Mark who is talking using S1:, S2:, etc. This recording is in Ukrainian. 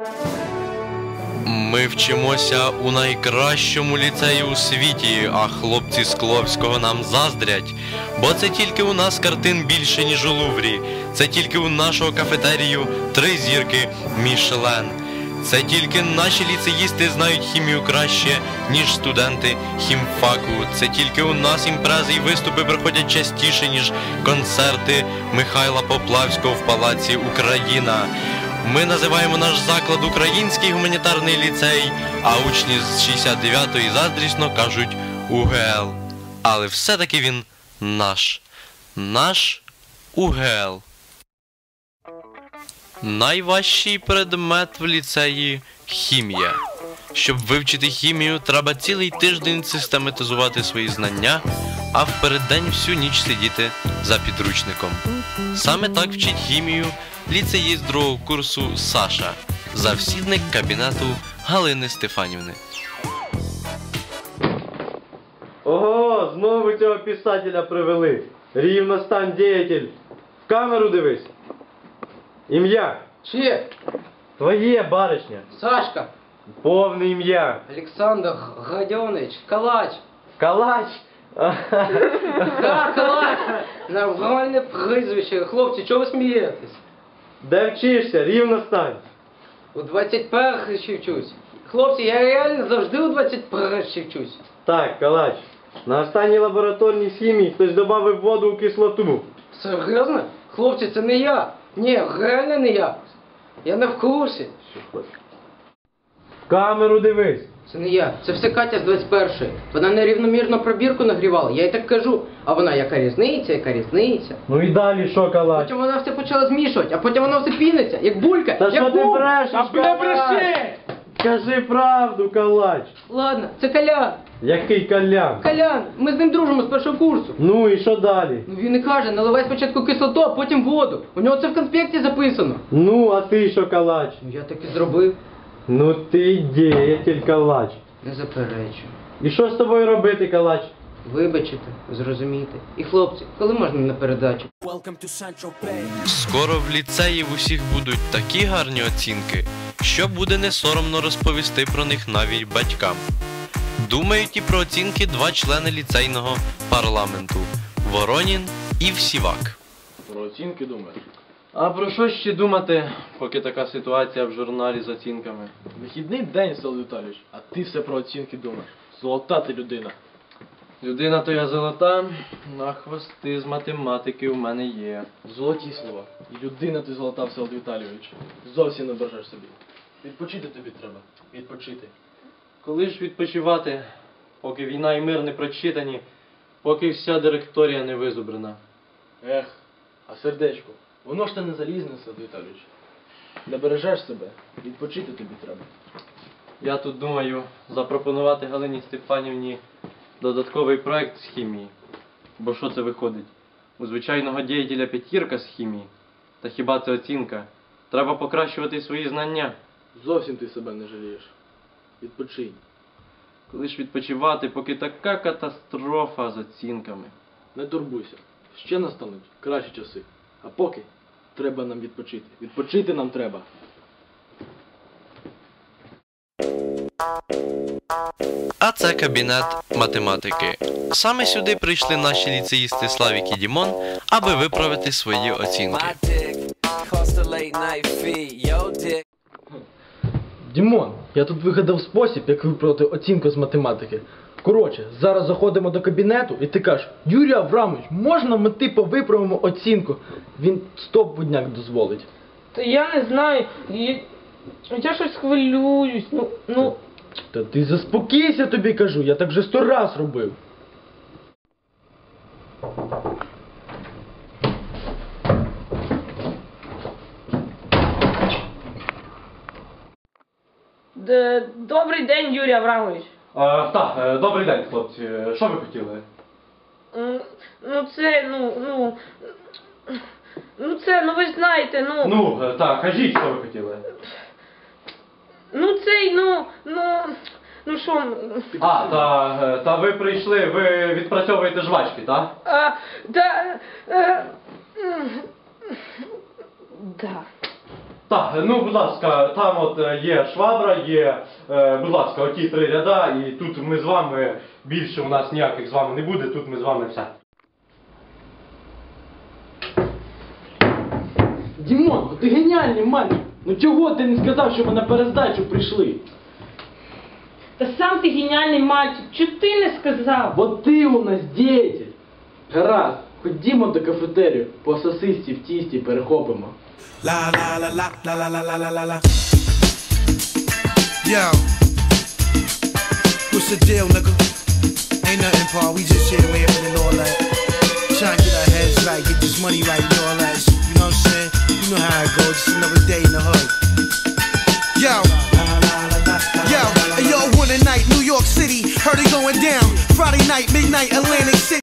S1: Ми вчимося у найкращому ліцеї у світі, а хлопці з Кловського нам заздрять. Бо це тільки у нас картин більше, ніж у Луврі. Це тільки у нашого кафетерію 3 зірки Мішлен. Це тільки наші ліцеїсти знають хімію краще, ніж студенти хімфаку. Це тільки у нас імпрези і виступи проходять частіше, ніж концерти Михайла Поплавського в Палаці Україна. Ми називаємо наш заклад Український гуманітарний ліцей, а учні з 69-ї заздрісно кажуть УГЛ. Але все-таки він наш. Наш УГЛ. Найважчий предмет в ліцеї – хімія. Щоб вивчити хімію, треба цілий тиждень систематизувати свої знання, а впереддень всю ніч сидіти за підручником. Саме так вчить хімію ліцеїст 2-го курсу Саша, завсідник кабінету Галини Стефанівни.
S2: Ого, знову цього писателя привели. Рівностань діятель. В камеру дивись. Ім'я.
S3: Чье?
S2: Твоє, баришня.
S3: Сашка.
S2: Повне ім'я.
S3: Александр Гаденович. Калач.
S2: Калач.
S3: Да, Калач. Нормальне прізвище. Хлопці, чого ви смієтесь?
S2: Де вчишся? Рівностань.
S3: У 21-й вчусь. Хлопці, я реально завжди у 21-й вчусь.
S2: Так, Калач. На останній лабораторній з хімії хтось додав воду у кислоту.
S3: Серйозно? Хлопці, це не я. Ні, реально не я. Я не в курсі.
S2: В камеру дивись.
S3: Це не я. Це все Катя з 21-ї. Вона нерівномірно пробірку нагрівала. Я їй так кажу. А вона, яка різниця, яка різниця.
S2: Ну і далі що, Калач?
S3: Потім вона все почала змішувати, а потім воно все піниться, як булька.
S2: Та
S3: як
S2: що ти
S3: булька.
S2: брешеш,
S3: А
S2: Калач?
S3: бреши!
S2: Кажи правду, Калач.
S3: Ладно, це Колян.
S2: Який Колян?
S3: Колян, ми з ним дружимо з першого курсу.
S2: Ну і що далі?
S3: Ну він і каже, наливай спочатку кислоту, а потім воду. У нього це в конспекті записано.
S2: Ну, а ти що, Калач?
S3: Ну я так і зробив.
S2: Ну ти діятель, Калач.
S3: Не заперечую.
S2: І що з тобою робити, Калач?
S3: Вибачити, зрозуміти. І хлопці, коли можна на передачу?
S1: Скоро в ліцеї в усіх будуть такі гарні оцінки, що буде не соромно розповісти про них навіть батькам. Думають і про оцінки 2 члени ліцейного парламенту – Воронін і Всівак.
S4: Про оцінки думаєш?
S2: А про що ще думати, поки така ситуація в журналі з оцінками?
S4: Вихідний день, Село Віталійович, а ти все про оцінки думаєш. Золота ти людина.
S2: Людина то я золота, а хвости з математики у мене є.
S4: Золоті слова. І людина ти золота, Село Віталійович. Зовсім не бережеш собі. Відпочити тобі треба. Відпочити.
S2: Коли ж відпочивати, поки війна і мир не прочитані, поки вся директорія не визубрена?
S4: Ех, а сердечко, воно ж те не залізне, Село Віталійович. Не бережеш себе, відпочити тобі треба.
S2: Я тут думаю запропонувати Галині Стефанівні додатковий проект з хімії. Бо що це виходить? У звичайного діятеля 5 з хімії. Та хіба це оцінка? Треба покращувати свої знання.
S4: Зовсім ти себе не жалієш. Відпочинь.
S2: Коли ж відпочивати, поки така катастрофа з оцінками.
S4: Не турбуйся. Ще настануть кращі часи. А поки треба нам відпочити. Відпочити нам треба.
S1: А це кабінет математики. Саме сюди прийшли наші ліцеїсти Славік і Дімон, аби виправити свої оцінки.
S4: Дімон, я тут вигадав спосіб, як виправити оцінку з математики. Коротше, зараз заходимо до кабінету і ти кажеш: Юрій Аврамович, можна ми типу виправимо оцінку? Він стопудняк дозволить.
S5: Та я не знаю, я щось хвилююсь, ну...
S4: Та ти заспокійся, тобі кажу, я так вже 100 раз робив.
S5: Добрий день, Юрій Аврамович.
S2: Так, добрий день, хлопці. Що ви хотіли?
S5: Ну ви ж знаєте,
S2: Так, кажіть, що ви хотіли. Та ви прийшли, ви відпрацьовуєте жвачки, так?
S5: Да.
S2: Так, ну, будь ласка, там от є швабра, є, будь ласка, оті 3 ряда, і тут ми з вами, більше у нас ніяких з вами не буде, тут ми з вами все.
S4: Дімон, ти геніальний мальчик. Ну чого ти не сказав, що ми на перездачу прийшли?
S5: Та сам ти геніальний мальчик, чого ти не сказав?
S4: Бо ти у нас діятель. Гаразд, ходімо до кафетерію, по сосисці в тісті перехопимо.
S6: La la la la la la la la la la la. Yo, what's the deal, nigga? Ain't nothing, Paul. We just here laughing and all that. Trying to get our heads right, get this money right and all that. You know what I'm saying? You know how it goes. Just another day in the hood. Yo, yo, one night, New York City, heard it going down. Friday night, midnight, Atlantic City.